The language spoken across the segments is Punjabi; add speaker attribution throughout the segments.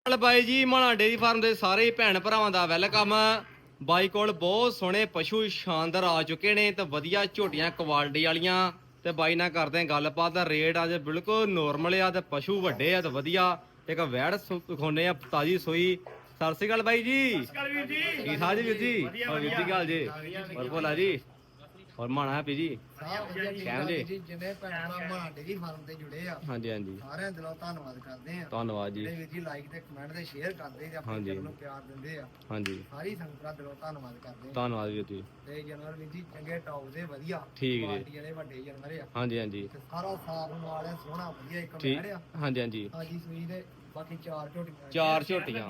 Speaker 1: ਚੱਲ ਬਾਈ ਜੀ ਮਾਣਾ ਡੇਰੀ ਫਾਰਮ ਦੇ ਸਾਰੇ ਹੀ ਭੈਣ ਭਰਾਵਾਂ ਦਾ ਵੈਲਕਮ। ਬਾਈ ਕੋਲ ਬਹੁਤ ਸੋਹਣੇ ਪਸ਼ੂ ਸ਼ਾਨਦਾਰ ਆ ਚੁੱਕੇ ਨੇ ਤੇ ਵਧੀਆ ਝੋਟੀਆਂ ਕੁਆਲਿਟੀ ਵਾਲੀਆਂ ਤੇ ਬਾਈ ਨਾਲ ਕਰਦੇ ਆ ਗੱਲਬਾਤ। ਦਾ ਰੇਟ ਅੱਜ ਬਿਲਕੁਲ ਨੋਰਮਲ ਆ ਤੇ ਪਸ਼ੂ ਵੱਡੇ ਆ ਤੇ ਵਧੀਆ। ਇੱਕ ਵੈੜ ਦਿਖਾਉਣੇ ਆ ਤਾਜੀ ਸੋਈ। ਸਤਿ ਸ਼੍ਰੀ ਅਕਾਲ ਬਾਈ ਜੀ। ਠੀਕ ਠਾਕ ਜੀ ਵੀਰ ਜੀ। ਹੋਰ ਵੀਰ ਜੀ ਗੱਲ ਜੀ ਹੋਰ ਭੋਲਾ ਜੀ ਹੋਰ ਮਾਣਾ ਹੈਪੀ ਜੀ ਕਹਿਮ ਜੀ
Speaker 2: ਜਿੰਨੇ ਭੈਣ ਭਰਾ ਮਾਣਾ ਡੇਰੀ ਫਾਰਮ ਤੇ ਜੁੜੇ ਆ
Speaker 1: ਹਾਂਜੀ ਹਾਂਜੀ
Speaker 2: ਸਾਰਿਆਂ ਦਿਲੋਂ ਧੰਨਵਾਦ ਕਰਦੇ ਆ।
Speaker 1: ਧੰਨਵਾਦ ਜੀ।
Speaker 2: ਵੀਰ ਜੀ ਲਾਈਕ ਤੇ ਕਮੈਂਟ ਤੇ ਸ਼ੇਅਰ ਕਰਦੇ ਤੇ ਆਪਣੇ ਚੈਨਲ ਨੂੰ ਪਿਆਰ ਦਿੰਦੇ ਆ।
Speaker 1: ਹਾਂਜੀ
Speaker 2: ਸਾਰੀ ਸੰਗਤਾਂ ਦਿਲੋਂ ਧੰਨਵਾਦ ਕਰਦੇ ਆ।
Speaker 1: ਧੰਨਵਾਦ ਵੀਰ ਜੀ।
Speaker 2: ਤੇ ਜਾਨਵਰ ਵੀਰ ਜੀ ਚੰਗੇ ਟੌਪ ਦੇ ਵਧੀਆ
Speaker 1: ਠੀਕ
Speaker 2: ਕੁਆਲਿਟੀ ਵਾਲੇ ਵੱਡੇ ਜਾਨਵਰ ਆ।
Speaker 1: ਹਾਂਜੀ ਹਾਂਜੀ
Speaker 2: ਤੇ ਸਾਰਾ ਸਾਫ ਨਾਲ ਆ ਸੋਹਣਾ ਵਧੀਆ ਇੱਕ
Speaker 1: ਠੀਕ
Speaker 2: ਮੈੜ ਆ।
Speaker 1: ਹਾਂਜੀ ਹਾਂਜੀ
Speaker 2: ਹਾਂਜੀ ਸੂਈ ਦੇ ਬਾਕੀ ਚਾਰ ਝੋਟੀਆਂ
Speaker 1: ਚਾਰ ਝੋਟੀਆਂ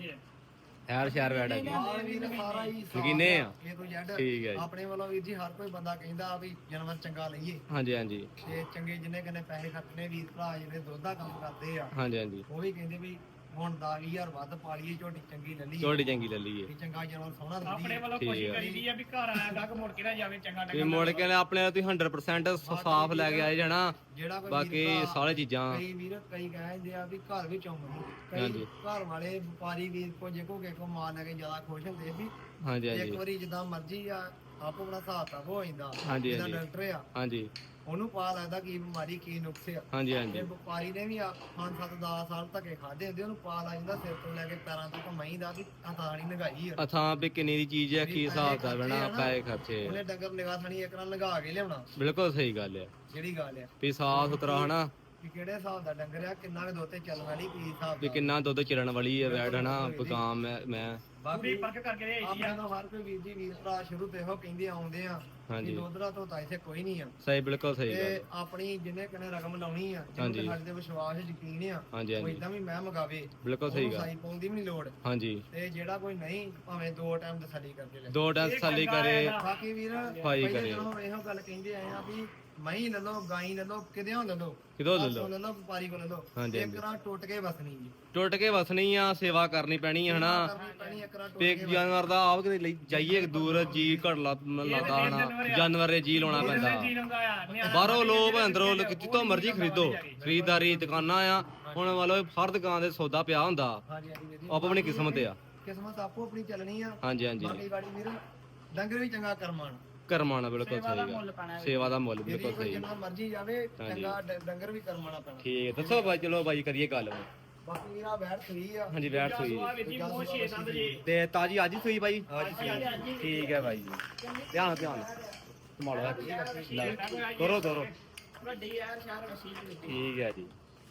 Speaker 1: ਹੈਰ ਸ਼ਹਿਰ ਵੈੜ ਹੈਗੀ
Speaker 2: ਨਾਲ ਵੀਰ ਸਾਰਾ ਹੀ ਸਾਫ਼
Speaker 1: ਯਕੀਨੇ ਆ।
Speaker 2: A to Z
Speaker 1: ਠੀਕ ਹੈ ਜੀ।
Speaker 2: ਆਪਣੇ ਵੱਲੋਂ ਵੀਰ ਜੀ ਹਰ ਕੋਈ ਬੰਦਾ ਕਹਿੰਦਾ ਵੀ ਜਾਨਵਰ ਚੰਗਾ ਲਈਏ
Speaker 1: ਹਾਂਜੀ ਹਾਂਜੀ
Speaker 2: ਤੇ ਚੰਗੇ ਜਿੰਨੇ ਕਨੇ ਪੈਸੇ ਖਰਚਣੇ ਵੀਰ ਭਰਾ ਜਿਹੜੇ ਦੁੱਧ ਦਾ ਕੰਮ ਕਰਦੇ ਆ
Speaker 1: ਹਾਂਜੀ ਹਾਂਜੀ
Speaker 2: ਉਹ ਵੀ ਕਹਿੰਦੇ ਵੀ ਹੁਣ 10,000 ਵੱਧ ਪਾ ਲਈਏ ਝੋਟੀ ਚੰਗੀ ਲੈ ਲਈਏ
Speaker 1: ਝੋਟੀ ਚੰਗੀ ਲੈ ਲਈਏ
Speaker 2: ਵੀ ਚੰਗਾ ਜਾਨਵਰ ਸੋਹਣਾ
Speaker 3: ਆਪਣੇ
Speaker 2: ਲੱਗੀ
Speaker 3: ਵੱਲੋਂ
Speaker 1: ਠੀਕ
Speaker 3: ਕੋਸ਼ਿਸ਼
Speaker 1: ਹੈ।
Speaker 3: ਕਰੀਦੀ ਆ ਵੀ ਘਰ ਆਇਆ ਤੱਕ ਮੁੜ ਕੇ ਨਾ ਜਾਵੇ ਚੰਗਾ
Speaker 1: ਤੇ ਮੁੜ ਕੇ ਆਪਣੇ ਤੁਸੀਂ 100% ਸਾਫ਼ ਲੈ ਕੇ ਆਏ ਜਾਣਾ।
Speaker 2: ਜਿਹੜਾ ਕੋਈ
Speaker 1: ਬਾਕੀ
Speaker 2: ਵੀਰ ਭਰਾ-
Speaker 1: ਸਾਰੇ ਚੀਜ਼ਾਂ
Speaker 2: ਕਈ ਵੀਰ ਕਈ ਕਹਿੰਦੇ ਆ ਵੀ ਘਰ ਵਿੱਚ ਆਉਂਦੇ ਕਈ
Speaker 1: ਹਾਂਜੀ।
Speaker 2: ਘਰ ਵਾਲੇ ਵਪਾਰੀ ਵੀਰ ਕੋ ਜੇ ਕੋ ਕੋ ਮਾਲ ਲੈ ਕੇ ਜ਼ਿਆਦਾ ਖੁਸ਼ ਹੁੰਦੇ ਵੀ
Speaker 1: ਹਾਂਜੀ
Speaker 2: ਇੱਕ
Speaker 1: ਹਾਂਜੀ
Speaker 2: ਵਾਰੀ ਜਿੱਦਾਂ ਮਰਜ਼ੀ ਆ ਆਪੋ ਆਪਣਾ ਹਿਸਾਬ ਤਾਂ ਹੋ ਜਾਂਦਾ
Speaker 1: ਹਾਂਜੀ,
Speaker 2: ਜਿਹਦਾ
Speaker 1: ਹਾਂਜੀ।
Speaker 2: ਡਾਕਟਰ ਆ
Speaker 1: ਹਾਂਜੀ
Speaker 2: ਉਹਨੂੰ ਪਤਾ ਲੱਗਦਾ ਕੀ ਬਿਮਾਰੀ ਕੀ ਨੁਕਸ ਆ
Speaker 1: ਹਾਂਜੀ
Speaker 2: ਤੇ
Speaker 1: ਹਾਂਜੀ
Speaker 2: ਵਪਾਰੀ ਨੇ ਵੀ 5-7-10 ਸਾਲ ਧੱਕੇ ਖਾਦੇ ਹੁੰਦੇ ਉਹਨੂੰ ਪਤਾ ਲੱਗ ਜਾਂਦਾ ਸਿਰ ਤੋਂ ਲੈ ਕੇ ਪੈਰਾਂ ਤੱਕ ਮਹੀਂ ਦਾ ਵੀ ਆਤਾਣੀ ਨਗਾਈ ਆ
Speaker 1: ਅਥਾਂ ਵੀ ਕਿੰਨੀ ਦੀ ਚੀਜ਼ ਹੈ ਕੀ ਹਿਸਾਬ ਦਾ ਬਣਾ ਪੈਸੇ ਖਰਚੇ
Speaker 2: ਉਹਨੇ ਡੰਗਰ ਨਿਗਾਹ ਥਣੀ ਇੱਕ ਨਾਲ ਲਗਾ ਕੇ ਲਿਆਉਣਾ
Speaker 1: ਬਿਲਕੁਲ ਸਹੀ ਗੱਲ ਹੈ
Speaker 2: ਜਿਹੜੀ ਗੱਲ ਆ
Speaker 1: ਵੀ ਸਾਫ਼ ਸੁਥਰਾ ਹਨਾ
Speaker 2: ਕਿ ਕਿਹੜੇ ਹਿਸਾਬ ਦਾ ਡੰਗਰ ਆ ਕਿੰਨਾ ਕੁ ਦੁੱਧ ਤੇ ਚੱਲਣ ਵਾਲੀ ਕੀ ਹਿਸਾਬ
Speaker 1: ਵੀ
Speaker 2: ਦਾ
Speaker 1: ਕਿੰਨਾ ਦੁੱਧ ਚਿੜਨ ਵਾਲੀ ਹੈ ਵੈੜ ਹਨਾ ਬਗਾਮ ਮੈਂ
Speaker 2: ਬਾਕੀ
Speaker 3: ਪਰਖ ਕਰਕੇ ਦੇ
Speaker 2: ਆਪਣੇ ਤੋਂ ਹਰ ਕੋਈ ਵੀਰ ਜੀ ਵੀਰ ਭਰਾ ਸ਼ੁਰੂ ਤੋਂ ਇਹੋ ਕਹਿੰਦੇ ਆਉਂਦੇ ਆ
Speaker 1: ਹਾਂਜੀ।
Speaker 2: ਕਿ ਦੁੱਧਰਾ ਤੋਂ ਤਾਂ ਇੱਥੇ ਕੋਈ ਨਹੀਂ ਆ
Speaker 1: ਸਹੀ ਬਿਲਕੁਲ ਸਹੀ ਗੱਲ
Speaker 2: ਤੇ ਆਪਣੀ ਜਿੰਨੇ ਕਨੇ ਰਕਮ ਲਾਉਣੀ ਆ
Speaker 1: ਹਾਂਜੀ।
Speaker 2: ਜਿਹਨੂੰ ਸਾਡੇ ਤੇ ਵਿਸ਼ਵਾਸ ਯਕੀਨ ਆ
Speaker 1: ਹਾਂਜੀ
Speaker 2: ਉਹ
Speaker 1: ਹਾਂਜੀ
Speaker 2: ਇਦਾਂ ਵੀ ਮੈਂ ਮਗਾਵੇ
Speaker 1: ਬਿਲਕੁਲ ਸਹੀ
Speaker 2: ਉਹਨੂੰ
Speaker 1: ਗੱਲ
Speaker 2: ਸਾਈ ਪਾਉਣ ਦੀ ਵੀ ਨਹੀਂ ਲੋੜ
Speaker 1: ਹਾਂਜੀ
Speaker 2: ਤੇ ਜਿਹੜਾ ਕੋਈ ਨਹੀਂ ਭਾਵੇਂ 2 ਟਾਈਮ ਤਸੱਲੀ ਕਰਕੇ ਲੈ
Speaker 1: ਦੋ ਟੈਂਸ ਥੱਲੇ ਕਰੇ
Speaker 2: ਬਾਕੀ ਵੀਰ
Speaker 1: ਭਾਈ
Speaker 2: ਪਹਿਲੇ
Speaker 1: ਕਰੇ।
Speaker 2: ਜਦੋਂ ਇਹੋ ਗੱਲ ਕਹਿੰਦੇ ਆਏ ਆ ਵੀ ਮਹੀਂ ਲੈ ਲਓ ਗਾਈ ਲੈ ਲਓ ਕਿਦਿਓਂ ਲੈ ਲਓ
Speaker 1: ਕਿਦੋਂ ਲੈ
Speaker 2: ਪਾਸੋਂ
Speaker 1: ਲਓ
Speaker 2: ਲੈ ਲਓ ਵਪਾਰੀ ਕੋਲ ਲੈ ਲਓ
Speaker 1: ਹਾਂਜੀ,
Speaker 2: ਇੱਕ ਰਾਂ ਟੁੱਟ ਕੇ ਵਸਣੀ ਜੀ
Speaker 1: ਟੁੱਟ ਕੇ ਵਸਣੀ ਆ ਸੇਵਾ ਕਰਨੀ ਪੈਣੀ ਹੈ ਹਨਾ
Speaker 2: ਕਰਨੀ ਪੈਣੀ ਇੱਕ ਰਾਂ ਟੁੱਟ
Speaker 1: ਤੇ
Speaker 2: ਕੇ
Speaker 1: ਜਾਨਵਰ ਦਾ ਆਪ ਕਿਤੇ ਲਈ ਜਾਈਏ ਦੂਰ ਜੀ ਘੜ ਲਾਦਾ ਹਨਾ ਜਾਨਵਰ ਦੇ ਜੀ ਲਾਉਣਾ ਪੈਂਦਾ
Speaker 3: ਜੀ ਲਾਉਂਦਾ ਆ
Speaker 1: ਬਾਹਰੋਂ ਲੋਭ ਅੰਦਰੋਂ ਜਿੱਤੋਂ ਮਰਜ਼ੀ ਖਰੀਦੋ ਖਰੀਦਦਾਰੀ ਦੁਕਾਨਾਂ ਆ ਹੁਣ ਮਤਲਬ ਹਰ ਦੁਕਾਨ ਦੇ ਸੌਦਾ ਪਿਆ ਹੁੰਦਾ
Speaker 2: ਹਾਂਜੀ ਹਾਂਜੀ ਵੀਰ ਜੀ
Speaker 1: ਆਪੋ ਆਪਣੀ ਕਿਸਮਤ ਆ
Speaker 2: ਕਿਸਮਤ ਆਪੋ ਆਪਣੀ ਚੱਲਣੀ ਆ
Speaker 1: ਹਾਂਜੀ ਹਾਂਜੀ
Speaker 2: ਬਾਕੀ ਗਾੜੀ ਵੀਰ ਡੰਗਰ ਵੀ ਚੰਗਾ ਕਰਮਾਨ
Speaker 1: ਕਰਮਾਣਾ ਬਿਲਕੁਲ ਸਹੀ ਗੱਲ ਸੇਵਾ ਦਾ ਮੁੱਲ ਬਿਲਕੁਲ ਸਹੀ
Speaker 2: ਜਿੰਨਾ ਮਰਜ਼ੀ ਜਾਵੇ ਚੰਗਾ ਡੰਗਰ ਵੀ ਕਰਮਾਣਾ ਪੈਣਾ
Speaker 1: ਠੀਕ ਹੈ ਦੱਸੋ ਬਾਈ ਚਲੋ ਬਾਈ ਕਰੀਏ ਗੱਲ ਹੁਣ।
Speaker 2: ਬਾਕੀ ਵੀਰਾ ਬੈਠ ਸਹੀ ਆ
Speaker 1: ਹਾਂਜੀ ਬੈਠ ਸੋਈ
Speaker 3: ਵੀਰ ਜੀ ਮੋਹ ਛੇ ਸੰਦ ਜੀ
Speaker 1: ਤੇ ਤਾਜੀ ਅੱਜ ਹੀ ਸੋਈ ਬਾਈ
Speaker 2: ਹਾਂਜੀ
Speaker 1: ਠੀਕ ਹੈ ਬਾਈ ਜੀ ਧਿਆਨ ਧਿਆਨ ਸੰਭਾਲੋ ਲੈ ਤੋਰੋ ਤੋਰੋ
Speaker 3: ਵੱਡੀ ਯਾਰ ਸ਼ਹਿਰ ਵਸੀ ਜੀ
Speaker 1: ਠੀਕ ਹੈ ਜੀ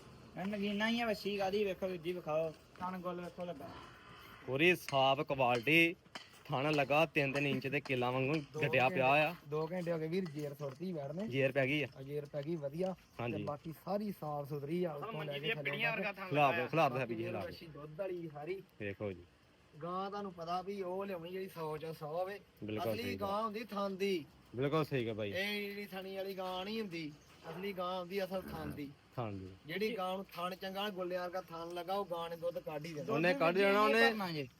Speaker 3: ਨਗੀਨਾ ਹੀ ਆ ਵਸੀ ਕਾਦੀ ਵੇਖੋ ਵੀਰ ਜੀ ਵਿਖਾਓ ਥਣ ਗੋਲ ਵੇਖੋ ਲੱਗਾ
Speaker 1: ਪੂਰੀ ਸਾਫ ਕੁਆਲਿਟੀ ਥਾਣਾ ਲਗਾ 3-3 ਇੰਚ ਦੇ ਕਿੱਲਾ ਵਾਂਗੂ ਘਟਿਆ ਪਿਆ ਆ
Speaker 2: 2 ਘੰਟੇ ਹੋ ਗਏ ਵੀਰ ਜੇਰ ਸੁੱਟਦੀ ਬੈਠਨੇ
Speaker 1: ਜੇਰ ਪੈ ਗਈ ਆ
Speaker 2: ਅਜੇਰ ਪੈ ਗਈ ਵਧੀਆ ਤੇ
Speaker 1: ਹਾਂਜੀ
Speaker 2: ਬਾਕੀ ਸਾਰੀ ਸਾਫ ਸੁਥਰੀ ਆ ਉੱਤੋਂ ਲੈ ਕੇ ਥੱਲੇ
Speaker 3: ਪਿੜੀਆਂ ਵਰਗਾ ਥਣ
Speaker 1: ਖਲਾਬ ਹੈ ਵੀ ਖਲਾਬ
Speaker 2: ਅੱਛੀ ਦੁੱਧ ਵਾਲੀ ਸਾਰੀ
Speaker 1: ਦੇਖੋ ਜੀ
Speaker 2: ਗਾਂ ਤੁਹਾਨੂੰ ਪਤਾ ਵੀ ਉਹ ਲਿਆਉਣੀ ਜਿਹੜੀ 100 ਚ 100 ਹੋਵੇ
Speaker 1: ਬਿਲਕੁਲ
Speaker 2: ਅਸਲੀ
Speaker 1: ਸਹੀ
Speaker 2: ਗਾਂ ਹੁੰਦੀ ਥਣ ਦੀ
Speaker 1: ਬਿਲਕੁਲ ਸਹੀ ਹੈ ਬਾਈ
Speaker 2: ਇਹ ਜਿਹੜੀ ਥਣੀ ਵਾਲੀ ਗਾਂ ਨਹੀਂ ਹੁੰਦੀ ਅਸਲੀ ਗਾਂ ਹੁੰਦੀ ਅਸਲ ਥਣ ਦੀ
Speaker 1: ਥਾਣ ਦੀ
Speaker 2: ਜਿਹੜੀ ਗਾਂ ਨੂੰ ਥਣ ਚੰਗਾ ਗੁੱਲੇ ਵਰਗਾ ਥਣ ਲਗਾ ਉਹ ਗਾਂ ਨੇ ਦੁੱਧ ਕੱਢ ਹੀ ਦੇਣਾ
Speaker 1: ਉਹਨੇ ਕੱਢ ਜਾਣਾ ਉਹਨੇ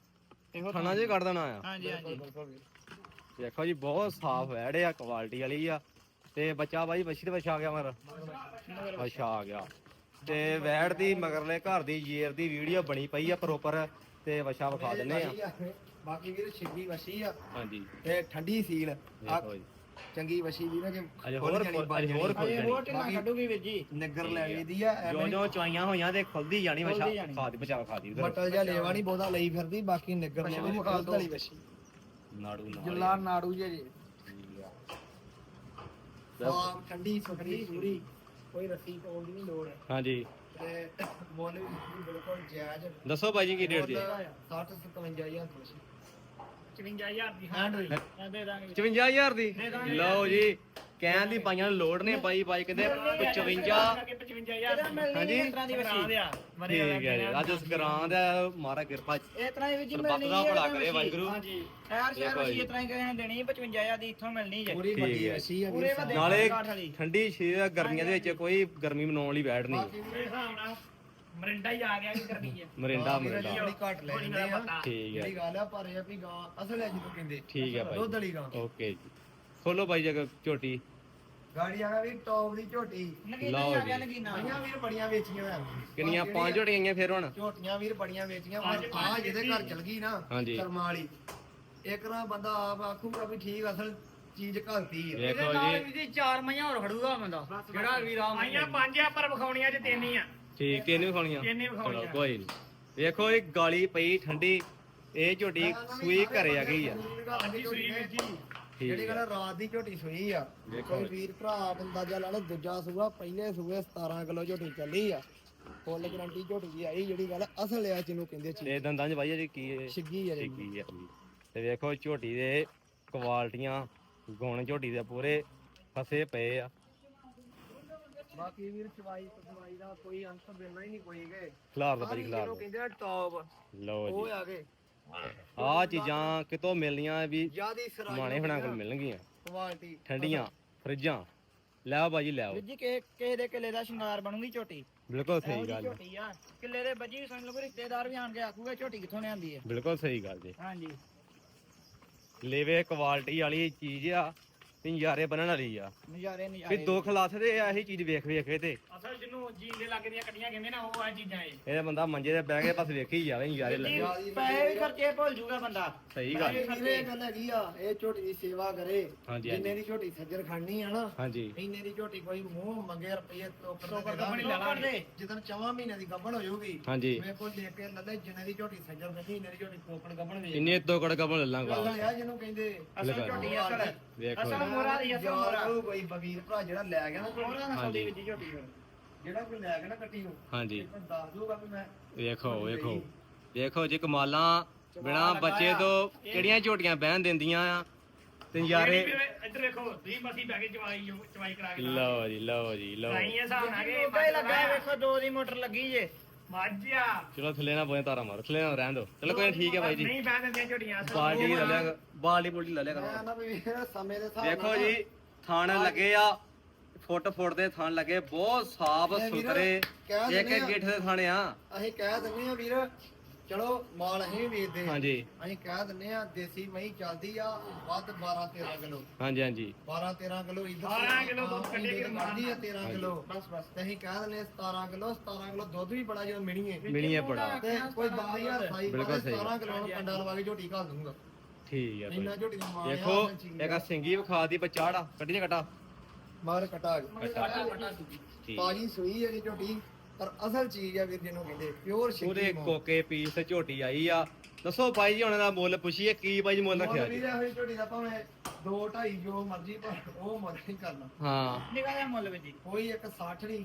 Speaker 3: ਇਹੋ
Speaker 1: ਥਾਣਾ ਜੇ ਕੱਢ ਦੇਣਾ ਆ
Speaker 3: ਹਾਂਜੀ ਹਾਂਜੀ
Speaker 2: ਬਿਲਕੁਲ ਵੀਰ।
Speaker 1: ਦੇਖੋ ਜੀ ਬਹੁਤ ਸਾਫ ਵੈੜ ਆ ਕੁਆਲਿਟੀ ਵਾਲੀ ਆ ਤੇ ਬੱਚਾ ਬਾਈ ਬੱਛੀ ਤੇ ਬੱਚਾ ਆ ਗਿਆ ਮਰ ਅੱਛਾ ਆ ਗਿਆ ਤੇ ਵੈੜ ਦੀ ਮਗਰਲੇ ਘਰ ਦੀ ਜੇਰ ਦੀ ਵੀਡੀਓ ਬਣੀ ਪਈ ਆ ਪ੍ਰੋਪਰ ਤੇ ਵਛਾ ਵਿਖਾ ਦਿੰਨੇ ਆ
Speaker 2: ਬਾਕੀ ਵੀਰ ਛਿੱਗੀ ਵਸੀ ਆ
Speaker 1: ਹਾਂਜੀ
Speaker 2: ਤੇ ਠੰਡੀ ਸੀਲ ਆ
Speaker 1: ਦੇਖੋ ਜੀ
Speaker 2: ਚੰਗੀ ਵਸੀ ਵੀ ਨਾ ਜੇ
Speaker 1: ਅਜੇ ਹੋਰ
Speaker 2: ਖੁੱਲ ਜਾਣੀ,
Speaker 1: ਅਜੇ ਹੋਰ ਖੁੱਲ
Speaker 3: ਇਹ
Speaker 1: ਜਾਣੀ
Speaker 3: ਹੋਰ ਢਿੱਲਾ ਕੱਢੂਗੀ ਵੀਰ ਜੀ
Speaker 2: ਨਿੱਗਰ ਲੈ ਲਈਦੀ ਆ
Speaker 1: ਜੋ
Speaker 2: ਐਵੇਂ
Speaker 1: ਜੋ ਚੁਆਈਆਂ ਹੋਈਆਂ ਤੇ ਖੁੱਲਦੀ ਜਾਣੀ ਵਛਾ
Speaker 3: ਖੁੱਲਦੀ ਜਾਣੀ।
Speaker 1: ਖਾ ਦੀ ਬਚਾ ਖਾ ਦੀ ਉਧਰ
Speaker 2: ਮਟਲ ਜਿਹਾ ਲੇਵਾ ਨਹੀਂ ਬਹੁਤਾ ਲਈ ਫਿਰਦੀ ਬਾਕੀ ਨਿੱਗਰ ਲੈ ਵੀ ਦੁੱਧ ਵਾਲੀ ਵਸੀ
Speaker 1: ਨਾੜੂ ਨਾਲ
Speaker 2: ਜੁੱਲਾ ਨਾੜੂ ਜੇ ਜੀ
Speaker 1: ਠੀਕ ਆ।
Speaker 2: ਸਾਫ ਠੰਡੀ ਸੁਥਰੀ ਪੂਰੀ ਕੋਈ ਰੱਸੀ ਪਾਉਣ ਦੀ ਨਹੀਂ ਲੋੜ
Speaker 1: ਹਾਂਜੀ
Speaker 2: ਤੇ ਮੁੱਲ ਵੀ ਬਿਲਕੁਲ ਜਾਇਜ਼
Speaker 1: ਦੱਸੋ ਬਾਈ ਜੀ ਕੀ ਰੇਟ ਜੀ
Speaker 2: 60 57000 ਤੋਂ
Speaker 3: 55000 ਦੀ
Speaker 2: ਹੈਂਡ ਹੋਈ
Speaker 3: ਦੇ ਦਾਂਗੇ
Speaker 1: 55000 ਦੀ ਲਓ ਜੀ ਕਹਿਣ ਦੀ ਪਾਈਆਂ ਨੂੰ ਲੋੜ ਨੇ ਬਾਈ ਬਾਈ ਕਹਿੰਦੇ 55
Speaker 3: 55000
Speaker 1: ਹਾਂਜੀ।
Speaker 3: ਇਸ ਤਰ੍ਹਾਂ ਦੀ ਵਸੀ
Speaker 1: ਠੀਕ ਹੈ ਜੀ ਅੱਜ ਸਕਰਾਂ ਦਾ ਮਾਰਾ ਕਿਰਪਾ
Speaker 3: ਇਹ ਤਰ੍ਹਾਂ ਹੀ ਵੀਰ ਜੀ
Speaker 1: ਸਰਬੱਤ
Speaker 3: ਮਿਲਣੀ
Speaker 1: ਦਾ
Speaker 3: ਹੈ
Speaker 1: ਭਲਾ ਕਰੇ ਵਾਹਿਗੁਰੂ
Speaker 3: ਹਾਂਜੀ ਸ਼ਹਿਰ ਵਸੀ ਇਸ ਤਰ੍ਹਾਂ ਹੀ ਕਿਸੇ ਨੇ ਦੇਣੀ 55000 ਦੀ ਇੱਥੋਂ ਮਿਲਣੀ ਜੇ
Speaker 2: ਪੂਰੀ
Speaker 1: ਠੀਕ
Speaker 2: ਵੱਡੀ
Speaker 1: ਹੈ।
Speaker 2: ਵਸੀ ਆ
Speaker 3: ਪੂਰੇ
Speaker 2: ਵੀਰ
Speaker 3: ਵੱਡੇ
Speaker 1: ਨਾਲੇ
Speaker 3: ਕਾਠ ਵਾਲੀ।
Speaker 1: ਠੰਡੀ ਸ਼ੇਰ ਗਰਮੀਆਂ ਦੇ ਵਿੱਚ ਕੋਈ ਗਰਮੀ ਮਨਾਉਣ ਲਈ ਬੈਠ ਨਹੀਂ
Speaker 2: ਬਾਕੀ
Speaker 3: ਮੇਰੇ ਹਿਸਾਬ ਨਾਲ ਮਰਿੰਡਾ ਹੀ ਆ ਗਿਆ ਕਿ ਕਰਨੀ ਹੈ
Speaker 1: ਮਰਿੰਡਾ
Speaker 2: ਵੀਰ
Speaker 1: ਮਰਿੰਡਾ
Speaker 2: ਥੋੜੀ ਘੱਟ ਲੈ ਜਾਂਦੇ ਆ
Speaker 1: ਠੀਕ ਹੈ
Speaker 2: ਜਿਹੜੀ ਗੱਲ ਆ ਪਰ ਇਹ ਆ ਵੀ ਗਾਂ ਅਸਲ ਹੈ ਜਿਹਨੂੰ ਕਹਿੰਦੇ
Speaker 1: ਠੀਕ ਹੈ
Speaker 2: ਦੁੱਧ
Speaker 1: ਬਾਈ
Speaker 2: ਵਾਲੀ ਗਾਂ
Speaker 1: ਓਕੇ ਜੀ ਖੋਲੋ ਬਾਈ ਜਗ ਝੋਟੀ
Speaker 2: ਗਾੜੀ ਆ ਵੀ ਟੌਪ ਦੀ ਝੋਟੀ
Speaker 3: ਨਗੀਨਾ
Speaker 1: ਲਓ
Speaker 3: ਆ ਗਿਆ
Speaker 1: ਜੀ।
Speaker 3: ਨਗੀਨਾ
Speaker 2: ਮਈਆਂ ਵੀਰ ਬੜੀਆਂ ਵੇਚੀਆਂ ਹੋਇਆ
Speaker 1: ਕਿੰਨੀਆਂ 5 ਝੋਟੀਆਂ ਆਈਆਂ ਫਿਰ ਹੁਣ
Speaker 2: ਝੋਟੀਆਂ ਵੀਰ ਬੜੀਆਂ ਵੇਚੀਆਂ ਪਰ ਆ ਜਿਹਦੇ ਘਰ ਚਲ ਗਈ ਨਾ
Speaker 1: ਹਾਂਜੀ।
Speaker 2: ਕਰਮਾਂ ਵਾਲੀ ਇੱਕ ਨਾ ਬੰਦਾ ਆਪ ਆਖੂਗਾ ਵੀ ਠੀਕ ਅਸਲ ਚੀਜ਼ ਘਲਤੀ ਆ
Speaker 1: ਵੇਖੋ
Speaker 3: ਇਹਦੇ ਨਾਲ
Speaker 1: ਜੀ
Speaker 3: ਵੀ 4 ਮਈਆਂ ਹੋਰ ਖੜੂਗਾ ਬੰਦਾ ਜਿਹੜਾ ਵੀਰਾ
Speaker 4: ਆਈਆਂ ਪੰਜ ਆ ਪਰ ਵਿਖਾਉਣੀਆਂ ਚ ਤਿੰਨ ਹੀ ਆ
Speaker 1: ਠੀਕ ਤਿੰਨ ਵੀ ਖਾਣੀਆਂ
Speaker 4: ਤਿੰਨ ਹੀ ਵਿਖਾਉਣੀਆਂ।
Speaker 1: ਚਲੋ ਕੋਈ ਨਹੀਂ ਵੇਖੋ ਇਹ ਗਾਲੀ ਪਈ ਠੰਡੀ ਇਹ ਝੋਟੀ ਸੂਈ ਘਰੇ ਆ ਗਈ ਆ
Speaker 4: ਹਾਂਜੀ ਸੂਈ ਵੀਰ ਜੀ
Speaker 1: ਠੀਕ
Speaker 2: ਜਿਹੜੀ
Speaker 1: ਆ
Speaker 2: ਗੱਲ ਰਾਤ ਦੀ ਝੋਟੀ ਸੂਈ ਆ
Speaker 1: ਵੇਖੋ
Speaker 2: ਕੋਈ ਵੀਰ ਭਰਾ ਅੰਦਾਜ਼ਾ ਲਾ ਲਓ ਦੂਜਾ ਸੂਆ ਪਹਿਲੇ ਸੂਏ 17 ਕਿਲੋ ਝੋਟੀ ਚੱਲੀ ਆ ਫੁੱਲ ਗਰੰਟੀ ਝੋਟੀ ਦੀ ਆਈ ਜਿਹੜੀ ਗੱਲ ਅਸਲ ਆ ਜਿਹਨੂੰ ਕਹਿੰਦੇ ਚੀਜ਼
Speaker 1: ਤੇ ਦੰਦਾਂ 'ਚ ਬਾਈ ਜੀ ਕੀ ਇਹ
Speaker 2: ਛਿੱਗੀ ਆ ਜਿਹੜੀ
Speaker 1: ਠੀਕ ਆ ਤੇ ਵੇਖੋ ਝੋਟੀ ਦੇ ਕੁਆਲਟੀਆਂ ਗੁਣ ਝੋਟੀ ਦੇ ਪੂਰੇ ਫਸੇ ਪਏ ਆ
Speaker 2: ਬਾਕੀ ਵੀਰ ਚਵਾਈ ਦਾ ਕੋਈ ਅੰਤ ਦੇਣਾ ਹੀ ਨਹੀਂ ਕੋਈ ਗਏ
Speaker 1: ਖਿਲਾਰ ਦਾ ਭਾਜੀ ਖਿਲਾਰ
Speaker 2: ਜਿਹਨੂੰ ਕਹਿੰਦੇ ਆ ਟੌਪ
Speaker 1: ਲਓ
Speaker 2: ਉਹ
Speaker 1: ਜੀ
Speaker 2: ਆ ਗਏ
Speaker 1: ਆਹ ਚੀਜ਼ਾਂ ਕਿਤੋਂ ਮਿਲਣੀਆਂ ਵੀ
Speaker 2: ਜਿਆਦੀ ਸਰਾਈ
Speaker 1: ਮਾਣੇ ਹੁਣਾਂ ਕੋਲ ਮਿਲਣਗੀਆਂ
Speaker 2: ਕੁਆਲਿਟੀ
Speaker 1: ਠੰਡੀਆਂ ਫਰਿੱਜਾਂ ਲੈ ਆਓ ਭਾਜੀ ਲੈ ਆਓ
Speaker 3: ਵੀਰ ਜੀ ਕਿਸੇ ਦੇ ਕਿਲੇ ਦਾ ਸ਼ਿੰਗਾਰ ਬਣੂਗੀ ਝੋਟੀ
Speaker 1: ਬਿਲਕੁਲ
Speaker 3: ਇਹੋ
Speaker 1: ਸਹੀ
Speaker 3: ਜਿਹੀ
Speaker 1: ਗੱਲ ਹੈ
Speaker 3: ਝੋਟੀ ਆ ਕਿਲੇ ਦੇ ਬੱਜੀ ਸਮਝ ਲਓ ਕੋਈ ਰਿਸ਼ਤੇਦਾਰ ਵੀ ਆਣ ਕੇ ਆਖੂਗਾ ਝੋਟੀ ਕਿੱਥੋਂ ਲਿਆਂਦੀ ਹੈ
Speaker 1: ਬਿਲਕੁਲ ਸਹੀ ਗੱਲ ਜੀ
Speaker 3: ਹਾਂਜੀ
Speaker 1: ਲੇਵੇ ਕੁਆਲਿਟੀ ਵਾਲੀ ਚੀਜ਼ ਆ ਤੇ ਨਜ਼ਾਰੇ ਬਣਨ ਵਾਲੀ ਆ
Speaker 3: ਨਜ਼ਾਰੇ
Speaker 1: ਵੀ
Speaker 3: ਨਜ਼ਾਰੇ
Speaker 1: ਦੁੱਖ ਲੱਥਦੇ ਆ ਇਹੀ ਚੀਜ਼ ਵੇਖ ਵੇਖ ਕੇ ਤੇ
Speaker 4: ਅਸਲ ਜਿਹਨੂੰ ਜੀਨ ਦੇ ਲੱਗ ਦੀਆਂ ਕੱਟੀਆਂ ਕਹਿੰਦੇ ਨਾ ਉਹ ਆ ਚੀਜ਼ਾਂ ਇਹ
Speaker 1: ਇਹਦਾ ਬੰਦਾ ਮੰਜੇ ਤੇ ਬਹਿ ਕੇ ਬਸ ਵੇਖੀ ਜਾਵੇ ਨਜ਼ਾਰੇ ਲੱਗੇ
Speaker 3: ਪੈਸੇ ਵੀ ਖਰਚੇ ਭੁੱਲ ਜੂਗਾ ਬੰਦਾ
Speaker 1: ਸਹੀ ਗੱਲ ਹੈ।
Speaker 2: ਇਹ ਗੱਲ ਹੈਗੀ ਆ ਇਹ ਝੋਟੀ ਦੀ ਸੇਵਾ ਕਰੇ
Speaker 1: ਹਾਂਜੀ
Speaker 2: ਜਿੰਨੇ
Speaker 1: ਹਾਂਜੀ
Speaker 2: ਦੀ ਝੋਟੀ ਸੱਜਰ ਖੜਨੀ ਆ ਨਾ
Speaker 1: ਹਾਂਜੀ
Speaker 2: ਇੰਨੇ ਦੀ ਝੋਟੀ ਕੋਈ ਮੂੰਹ ਮੰਗੇ ਰੁਪਏ
Speaker 4: ਟੋਕਰ
Speaker 2: ਟੋਕਰ
Speaker 4: ਗੱਭਣ ਹੀ ਲੈ ਲਾਂਗੇ।
Speaker 2: ਜਦੋਂ 4 ਮਹੀਨੇ ਦੀ ਗੱਭਣ ਹੋ ਜਾਊਗੀ
Speaker 1: ਹਾਂਜੀ
Speaker 2: ਮੇਰੇ ਕੋਲ ਲੈ ਕੇ ਲੱਲੇ ਜਿੰਨੇ ਦੀ ਝੋਟੀ ਸੱਜਰ ਖੜਨੀ ਇੰਨੇ ਦੀ ਝੋਟੀ ਟੋਕਰ ਗੱਭਣ ਵੇਚ
Speaker 1: ਇੰਨੇ ਤੋਂ ਕੜਕਾ ਬਣ ਲਾਂਗਾ
Speaker 2: ਅਸਲ ਆ ਜਿਹਨੂੰ ਕਹਿੰਦੇ
Speaker 3: ਅਸਲ ਝੋਟੀ ਅਸਲ
Speaker 1: ਵੇਖੋ
Speaker 3: ਅਸਲ ਮੋਰਾ ਦੀ ਅਸਲ ਮੋਰਾ
Speaker 2: ਯਾਰ ਕੋਈ ਬਗੀਰ ਭਰਾ ਜਿਹੜਾ ਲੈ ਗਿਆ ਨਾ ਝੋਟੀ,
Speaker 3: ਮੋਰਾ ਨਾਲ
Speaker 1: ਹਾਂਜੀ।
Speaker 3: ਸੌਦੀ ਵਿੱਚ ਝੋਟੀ ਫਿਰ
Speaker 2: ਜਿਹੜਾ ਕੋਈ ਲੈ ਗਿਆ ਨਾ ਕੱਟੀ ਨੂੰ
Speaker 1: ਹਾਂਜੀ
Speaker 2: ਇੱਕ ਦੱਸ ਦੂਗਾ ਵੀ ਮੈਂ
Speaker 1: ਵੇਖੋ ਵੇਖੋ ਵੇਖੋ ਜੀ ਕਮਾਲਾਂ ਬਿਨਾ ਬੱਚੇ ਤੋਂ ਕਿਹੜੀਆਂ ਝੋਟੀਆਂ ਬਹਿਣ ਦਿੰਦੀਆਂ ਆ ਤੇ ਨਜ਼ਾਰੇ
Speaker 4: ਇੱਧਰ ਵੇਖੋ 20 ਮਸੀ ਬੈ ਕੇ ਚਵਾਈ ਕਰਾ ਕੇ
Speaker 1: ਲਓ ਜੀ ਲਓ ਜੀ ਲਓ
Speaker 4: ਲਾਈ ਇਹ ਹਿਸਾਬ ਨਾਲ ਕਿ
Speaker 3: ਉਹਦਾ ਹੀ ਲੱਗਾ ਹੈ, ਵੇਖੋ 2 ਦੀ ਮੋਟਰ ਲੱਗੀ ਜੇ
Speaker 4: ਮਾਝਿਆ
Speaker 1: ਚਲੋ ਥੱਲੇ ਨਾ ਬੋਏ ਤਾਰਾ ਮਾਰੋ ਥੱਲੇ ਨਾ ਰਹਿਣ ਦੋ ਚਲੋ ਕੋਈ ਨੀ, ਠੀਕ ਹੈ ਬਾਈ ਜੀ
Speaker 4: ਨਹੀਂ ਬਹਿ ਦਿੰਦੀਆਂ ਝੋਟੀਆਂ
Speaker 1: ਬਾਲਟੀ ਲੈ ਲਿਆ ਬਾਲਟੀ ਬੁਲਟੀ ਲੈ ਲਿਆ
Speaker 2: ਮੈਂ
Speaker 1: ਕਰੋ
Speaker 2: ਨਾ ਵੀ ਸਮੇਂ ਦੇ ਹਿਸਾਬ
Speaker 1: ਵੇਖੋ
Speaker 2: ਨਾਲ
Speaker 1: ਜੀ ਥਣ ਲੱਗੇ ਆ ਫੁੱਟ ਦੇ ਥਣ ਲੱਗੇ ਬਹੁਤ ਸਾਫ
Speaker 2: ਇਹ ਵੀਰ
Speaker 1: ਸੁਥਰੇ
Speaker 2: ਕਹਿ
Speaker 1: ਇੱਕ
Speaker 2: ਦਿੰਦੇ
Speaker 1: ਇੱਕ
Speaker 2: ਆ।
Speaker 1: ਗਿੱਠ ਦੇ ਥਣ ਆ
Speaker 2: ਅਸੀਂ ਕਹਿ ਦਿੰਦੇ ਆ ਵੀਰ ਚਲੋ ਮਾਲ ਅਸੀਂ ਵੀ ਵੇਚਦੇ ਆ
Speaker 1: ਹਾਂਜੀ
Speaker 2: ਅਸੀਂ ਕਹਿ ਦਿੰਦੇ ਆ ਦੇਸੀ ਮਹੀਂ ਚੱਲਦੀ ਆ ਵੱਧ 12 13 ਕਿਲੋ
Speaker 1: ਹਾਂਜੀ ਹਾਂਜੀ
Speaker 2: 12 13 ਕਿਲੋ ਇੱਧਰ
Speaker 4: 12 ਕਿਲੋ ਦੁੱਧ ਕੱਢੇ ਕਿ
Speaker 2: ਕੱਢਦੀ ਆ 13 ਕਿਲੋ ਬਸ ਬਸ ਤੇ ਅਸੀਂ ਕਹਿ ਦਿੰਦੇ ਆ 17 ਕਿਲੋ ਦੁੱਧ ਵੀ ਬੜਾ ਜਦੋਂ ਮਿਣੀਏ
Speaker 1: ਮਿਣੀਏ ਬੜਾ
Speaker 2: ਤੇ ਕੋਈ 10000 ਸਾਈ
Speaker 1: ਬਿਲਕੁਲ ਸਹੀ
Speaker 2: 17 ਕਿਲੋ ਨੂੰ ਕੰਡਾ ਲਵਾ ਕੇ ਝੋਟੀ ਘਾਲ ਦੂੰਗਾ
Speaker 1: ਠੀਕ ਹੈ
Speaker 2: ਇੰਨਾ
Speaker 1: ਭਾਈ
Speaker 2: ਝੋਟੀ ਦਾ ਮਾਲ ਆ,
Speaker 1: ਦੇਖੋ
Speaker 2: ਅਸਲ ਚੀਜ਼
Speaker 1: ਇੱਕ
Speaker 2: ਆ।
Speaker 1: ਆਹ ਸਿੰਗੀ ਵਿਖਾ ਦੀ ਬਚਾੜਾ ਕੱਢੀ ਨਾ ਕਟਾ
Speaker 2: ਮਗਰ ਕਟਾ
Speaker 1: ਠੀਕ
Speaker 2: ਤਾਜੀ ਸੂਈ ਹੈ ਝੋਟੀ ਪਰ ਅਸਲ ਚੀਜ਼ ਆ ਵੀਰ ਜਿਹਨੂੰ ਕਹਿੰਦੇ ਪਿਓਰ
Speaker 1: ਪੂਰੇ
Speaker 2: ਸ਼ਿਕੀ
Speaker 1: ਕੋਕੇ ਪੀਸ ਤੇ ਝੋਟੀ ਆਈ ਆ ਦੱਸੋ ਭਾਈ ਜੀ ਹੁਣ ਦਾ ਮੁੱਲ ਪੁੱਛੀਏ ਕੀ ਭਾਈ ਜੀ ਮੁੱਲ ਰੱਖਿਆ ਜੀ
Speaker 2: ਵੀਰ ਹੋਈ ਝੋਟੀ ਦਾ ਭਾਵੇਂ 2 2.5 ਜੋ ਮਰਜ਼ੀ ਪਰ ਉਹ ਮੁੱਲ ਨਹੀਂ ਕਰਨਾ
Speaker 1: ਹਾਂ
Speaker 3: ਨਿਕਾ ਜਿਹਾ ਮੁੱਲ ਵਿੱਚ ਜੀ
Speaker 2: ਕੋਈ ਇੱਕ 60 ਨਹੀਂ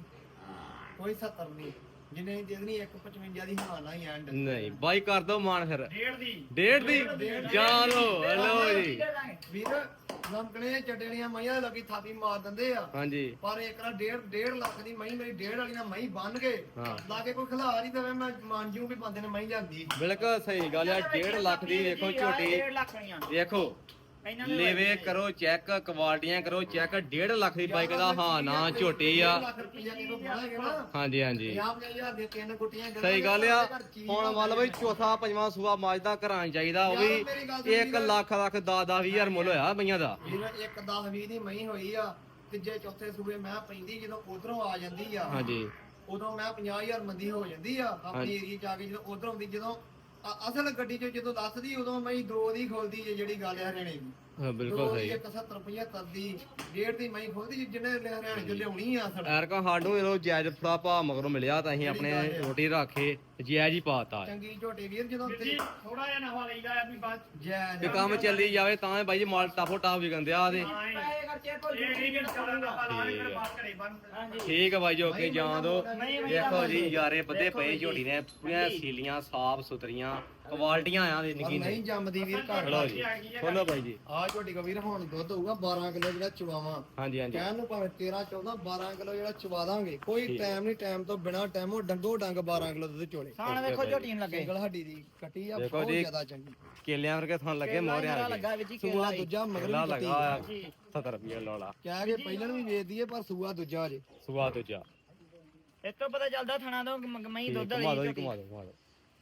Speaker 2: ਕੋਈ 70 ਨਹੀਂ ਜਿੰਨੇ ਦੀ ਦੇ ਦੇਣੀ 155 ਦੀ ਹਾਂ ਨਾ ਹੀ ਐਂਡ
Speaker 1: ਨਹੀਂ ਬਾਈ ਕਰ ਦੋ ਮਾਨ ਫਿਰ
Speaker 4: ਡੇਢ ਦੀ
Speaker 1: ਡੇਢ ਦੀ ਜਾਨ ਲੋ ਹਲੋ ਜੀ
Speaker 2: ਵੀਰ ਲੰਕਣੇ ਚੱਡਣੀਆਂ ਮਈਆਂ ਲੱਗੀ ਥਾਪੀ ਮਾਰ ਦਿੰਦੇ ਆ
Speaker 1: ਹਾਂਜੀ
Speaker 2: ਪਰ ਇੱਕ ਨਾ 1.5 ਲੱਖ ਦੀ ਮਈ ਮੇਰੀ 1.5 ਵਾਲੀ ਨਾਲ ਮਈ ਬੰਨ ਕੇ
Speaker 1: ਹਾਂ।
Speaker 2: ਲਾ ਕੇ ਕੋਈ ਖਿਲਾ ਨਹੀਂ ਦਵੇ ਮੈਂ ਮੰਨ ਜੂ ਵੀ ਬੰਦੇ ਨੇ ਮਈ ਜਾਂਦੀ
Speaker 1: ਬਿਲਕੁਲ ਸਹੀ ਗੱਲ ਆ 1.5 ਲੱਖ ਦੀ ਵੇਖੋ ਝੋਟੀ
Speaker 3: 1.5 ਲੱਖ ਦੀਆਂ
Speaker 1: ਵੇਖੋ
Speaker 3: ਇਹਨਾਂ ਦੇ
Speaker 1: ਲੇਵੇ ਕਰੋ ਚੈੱਕ ਕੁਆਲਟੀਆਂ ਕਰੋ ਚੈੱਕ 1.5 ਲੱਖ ਦੀ ਬਾਈਕ ਦਾ ਹਾਂ ਨਾ ਝੋਟੀ ਆ
Speaker 2: 1.5 ਲੱਖ ਰੁਪਈਆ ਕਿਲੋ ਬਣਾਏਗੇ ਨਾ
Speaker 1: ਹਾਂਜੀ ਹਾਂਜੀ
Speaker 2: 50,000 ਦੇ ਤਿੰਨ ਗੁੱਟੀਆਂ ਗੰਢਾਂ
Speaker 1: ਸਹੀ ਗੱਲ ਆ
Speaker 2: ਘਰ ਚੀਜ਼
Speaker 1: ਹੁਣ ਮੰਨ ਬਈ ਚੌਥਾ ਪੰਜਵਾਂ ਸੂਆ ਮਾਜਦਾ ਘਰਾਂ ਚਾਹੀਦਾ ਉਹ
Speaker 2: ਯਾਰ ਮੇਰੀ ਗੱਲ ਸੁਣ
Speaker 1: ਵੀ 1
Speaker 2: ਵੀਰ।
Speaker 1: ਲੱਖ 10,000 ਮੁੱਲ ਹੋਇਆ ਬਈਆਂ ਦਾ
Speaker 2: ਵੀਰ ਇੱਕ 10 20 ਦੀ ਮਈ ਹੋਈ ਆ ਤੀਜੇ ਚੌਥੇ ਸੂਬੇ ਮੈਂ ਪੈਂਦੀ ਜਦੋਂ ਉਧਰੋਂ ਆ ਜਾਂਦੀ ਆ
Speaker 1: ਹਾਂਜੀ
Speaker 2: ਉਦੋਂ ਮੈਂ 50,000 ਮੰਦੀ ਹੋ ਜਾਂਦੀ ਆ ਆਪਣੀ
Speaker 1: ਹਾਂਜੀ।
Speaker 2: ਏਰੀਆ ਚ ਆ ਕੇ ਜਦੋਂ ਉਧਰੋਂ ਆਉਂਦੀ ਜਦੋਂ ਅਸਲ ਗੱਡੀ ਚ ਜਦੋਂ ਦੱਸਦੀ ਉਦੋਂ ਮੈਂ 2 ਦੀ ਖੋਲਦੀ ਜੇ ਜਿਹੜੀ ਗੱਲ ਹੈ ਹਰਿਆਣੇ ਦੀ
Speaker 1: ਹਾਂ ਬਿਲਕੁਲ
Speaker 2: ਦੋ ਦੀ
Speaker 1: ਸਹੀ
Speaker 2: 170 75 ਦੀ 1.5 ਦੀ ਮੈਂ ਖੋਲਦੀ ਜਿੰਨੇ ਹਰਿਆਣੇ ਚ ਲਿਆਉਣੀ ਆ ਅਸਲ
Speaker 1: ਐਰਕਾ ਸਾਨੂੰ ਇਹੋ ਜਾਇਜ਼ ਫੜਾ ਭਾ ਮਗਰੋਂ ਮਿਲਿਆ ਤਾਂ ਅਸੀਂ ਆਪਣੇ ਰੋਟੀ ਰੱਖੇ ਜਾਇਜ਼ ਹੀ ਪਾਤਾ
Speaker 2: ਚੰਗੀ ਝੋਟੀ ਵੀਰ ਜਦੋਂ
Speaker 4: ਜੀ ਥੋੜਾ ਜਿਹਾ ਨਫਾ ਲਈਦਾ ਆ ਵੀ ਬਾਅਦ
Speaker 2: ਜੈ
Speaker 1: ਤੇ ਕੰਮ ਚੱਲੀ ਜਾਵੇ ਤਾਂ ਬਾਈ ਜੀ ਮਾਲ ਟਾਫੋ ਟਾਫ ਵਿਕਣ ਦਿਆ ਤੇ
Speaker 3: ਪੈਸੇ ਖਰਚੇ ਭੁੱਲ
Speaker 4: ਇਹ ਨਹੀਂ ਕਿ
Speaker 3: ਜੂਗਾ
Speaker 4: ਚੱਲਣ ਦਾ ਪਾ ਲਾ ਕੇ ਬਾਤ ਘਰੇ ਬੰਦ
Speaker 3: ਹਾਂਜੀ
Speaker 1: ਠੀਕ ਹੈ ਬਾਈ ਜੀ ਓਕੇ ਜਾਣ ਦੋ
Speaker 3: ਨਹੀਂ, ਨਹੀਂ,
Speaker 1: ਦੇਖੋ ਜੀ
Speaker 3: ਨਹੀਂ।
Speaker 1: ਯਾਰੇ ਬੱਦੇ
Speaker 3: ਦੇਖੋ
Speaker 1: ਪਏ
Speaker 3: ਜੀ।
Speaker 1: ਝੋਟੀ ਨੇ ਪੂਰੀਆਂ ਸੀਲੀਆਂ ਸਾਫ ਸੁਥਰੀਆਂ ਕੁਆਲਟੀਆਂ ਆ ਦੇ ਨਿੱਕੀ
Speaker 2: ਨਹੀਂ
Speaker 1: ਨਹੀਂ
Speaker 2: ਜੰਮਦੀ ਵੀਰ ਘਰ
Speaker 1: ਚਲੋ ਜੀ ਖੋਲੋ ਬਾਈ ਜੀ
Speaker 2: ਆ ਝੋਟੀ ਕੋ ਵੀਰ ਹੁਣ ਦੁੱਧ ਹੋਊਗਾ 12 ਕਿਲੋ ਜਿਹੜਾ ਚਵਾਵਾਂ
Speaker 1: ਹਾਂਜੀ ਹਾਂਜੀ
Speaker 2: ਕਹਿਣ ਨੂੰ ਭਾਵੇਂ 13 14 12 ਕਿਲੋ ਜਿਹੜਾ ਚਵਾ ਦਾਂਗੇ ਕੋਈ ਟਾਈਮ ਨਹੀਂ ਟਾਈਮ ਤੋਂ ਬਿਨਾ ਟਾਈਮੋ ਡੰਗੋ ਡੰਗ 12 ਕਿਲੋ ਦੁੱਧ ਚੋਲੇ
Speaker 3: ਸਾਣ ਵੇਖੋ ਝੋਟੀ ਨੂੰ ਲੱਗੇ
Speaker 2: ਸਿੰਗਲ ਹੱਡੀ ਦੀ ਕੱਟੀ ਆ
Speaker 1: ਦੇਖੋ
Speaker 2: ਬਹੁਤ
Speaker 1: ਜੀ।
Speaker 2: ਜ਼ਿਆਦਾ ਚੰਗੀ
Speaker 1: ਕੇਲਿਆਂ ਵਰਗੇ ਥਾਂ ਲੱਗੇ
Speaker 3: ਕੇਲਾ
Speaker 1: ਮੋਹਰਿਆਂ
Speaker 3: ਜਿਹੜਾ
Speaker 1: ਲੱਗੇ
Speaker 3: ਲੱਗਾ ਵਿੱਚ ਹੀ
Speaker 2: ਸੂਆ
Speaker 3: ਕੇਲਾ ਹੀ।
Speaker 2: ਦੂਜਾ ਮਗਰ
Speaker 1: ਕੇਲਾ
Speaker 2: ਵੀ ਕੱਟੀ
Speaker 1: ਲਗਾ ਆ
Speaker 3: ਜੀ
Speaker 1: 70 ਰੁਪਏ ਲੋਲਾ
Speaker 2: ਕਹਿ ਕੇ ਪਹਿਲਾਂ ਵੀ ਵੇਚ ਦਈਏ ਪਰ ਸੂਆ ਦੂਜਾ ਜੇ
Speaker 1: ਸੁਆ ਦੂਜਾ
Speaker 3: ਇਸ ਤੋਂ ਪਤਾ ਚੱਲਦਾ ਥਣਾ ਤੋਂ ਮਈ ਦੁੱਧ
Speaker 1: ਘੁਮਾ
Speaker 3: ਵਾਲੀ
Speaker 1: ਦੋ ਜੀ
Speaker 3: ਝੋਟੀ।
Speaker 1: ਘੁਮਾ ਦੋ ਘੁਮਾ ਦੋ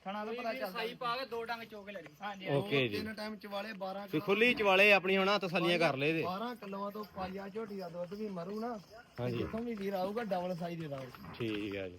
Speaker 3: ਥਣਾ ਤੋਂ ਪਤਾ ਚੱਲਦਾ
Speaker 5: ਸਾਈ ਪਾ ਕੇ ਦੋ ਡੰਗ ਚੋਕ ਲੈ ਲਈ।
Speaker 3: ਹਾਂਜੀ
Speaker 1: ਓਕੇ ਜੀ
Speaker 2: ਤਿੰਨ ਟਾਈਮ ਚਵਾਲੇ 12
Speaker 1: ਤੇ ਖੁੱਲੀ ਚਵਾਲੇ ਆਪਣੀ ਹੁਣ ਤਸੱਲੀਆਂ ਕਰ ਲੈ ਇਹਦੇ
Speaker 2: 12 ਕਿਲੋਆਂ ਤੋਂ ਪਾਈਆ ਝੋਟੀ ਦਾ ਦੁੱਧ ਵੀ ਮਰੂ ਨਾ
Speaker 1: ਹਾਂਜੀ
Speaker 2: ਜਿੱਥੋਂ ਵੀ ਵੀਰ ਆਊਗਾ ਡਬਲ ਸਾਈਜ਼ ਦੇ ਦਾਂਗੇ
Speaker 1: ਠੀਕ ਹੈ ਜੀ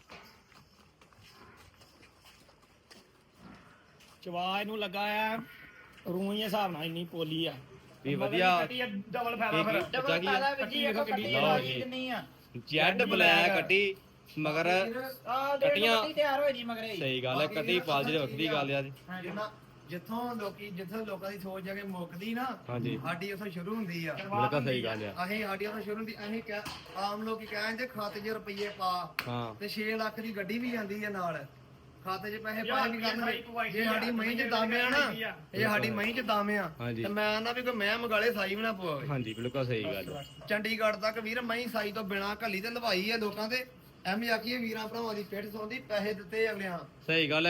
Speaker 4: ਚਵਾ ਇਹਨੂੰ ਲੱਗਾ ਆ ਰੂਈ ਹਿਸਾਬ ਨਾਲ ਇੰਨੀ ਪੋਲੀ ਆ
Speaker 1: ਵੀ ਵਧੀਆ
Speaker 4: ਡਬਲ ਫਾਇਦਾ ਫਿਰ
Speaker 1: ਬੱਚਾ ਕੀ
Speaker 3: ਪਤਾ ਵੀ ਜੀ ਇੱਕ ਕੱਟੀ
Speaker 1: ਲਓ
Speaker 3: ਵਾਲੀ
Speaker 1: ਜੀ।
Speaker 3: ਕਿੰਨੀ ਆ
Speaker 1: ਜੈਡ ਬਲੈਕ ਕੱਟੀ ਮਗਰ
Speaker 3: ਆ ਕੱਟੀਆਂ
Speaker 1: ਕੱਟੀਆਂ
Speaker 3: ਤਿਆਰ ਹੋਈ ਜੀ ਮਗਰੇ
Speaker 1: ਸਹੀ ਗੱਲ ਹੈ ਕੱਟੀ ਪਾਲ ਜਿਹੜੀ ਵੱਖਰੀ ਗੱਲ ਆ ਜੀ
Speaker 2: ਜਿੰਨਾ ਜਿੱਥੋਂ ਲੋਕਾਂ ਦੀ ਸੋਚ ਜਾ ਕੇ ਮੁੱਕਦੀ ਨਾ
Speaker 1: ਹਾਂਜੀ
Speaker 2: ਸਾਡੀ ਉੱਥੋਂ ਸ਼ੁਰੂ ਹੁੰਦੀ ਆ
Speaker 1: ਬਿਲਕੁਲ ਸਹੀ ਗੱਲ ਆ
Speaker 2: ਅਸੀਂ ਸਾਡੀ ਉੱਥੋਂ ਸ਼ੁਰੂ ਹੁੰਦੀ ਅਸੀਂ ਆਮ ਲੋਕੀ ਕਹਿੰਦੇ ਖਾਤੇ 'ਚ ਰੁਪਈਏ ਪਾ
Speaker 1: ਹਾਂ
Speaker 2: ਤੇ 6 ਲੱਖ ਦੀ ਗੱਡੀ ਵੀ ਜਾਂਦੀ ਹੈ ਨਾਲ ਖਾਤੇ 'ਚ ਪੈਸੇ ਪਾਏ ਨਹੀਂ
Speaker 4: ਸਾਈ
Speaker 2: ਕਰਨਗੇ
Speaker 4: ਪਵਾਈ
Speaker 2: ਜੇ ਸਾਡੀ ਮਹੀਂ 'ਚ ਦਾਮੇ ਆ ਨਾ ਇਹ ਸਾਡੀ ਮਹੀਂ 'ਚ ਦਾਮੇ ਆ
Speaker 1: ਹਾਂਜੀ।
Speaker 2: ਤੇ ਮੈਂ ਆਂਦਾ ਵੀ ਕੋਈ ਮੈਂ ਮਗਾਲੇ ਸਾਈ ਵੀ ਨਾ ਪਵਾਵੇ
Speaker 1: ਹਾਂਜੀ ਬਿਲਕੁਲ ਸਹੀ ਗੱਲ ਆ
Speaker 2: ਚੰਡੀਗੜ੍ਹ ਤੱਕ ਵੀਰ ਮਹੀਂ ਸਾਈ ਤੋਂ ਬਿਨਾ ਘੱਲੀ ਤੇ ਲਵਾਈ ਆ ਲੋਕਾਂ ਦੇ ਐਵੇਂ ਆਖੀਏ ਵੀਰਾਂ ਭਰਾਵਾਂ ਦੀ ਪਿੱਠ ਸੌਂਦੀ ਪੈਸੇ ਦਿੱਤੇ ਅਗਲਿਆਂ
Speaker 1: ਸਹੀ ਗੱਲ ਹੈ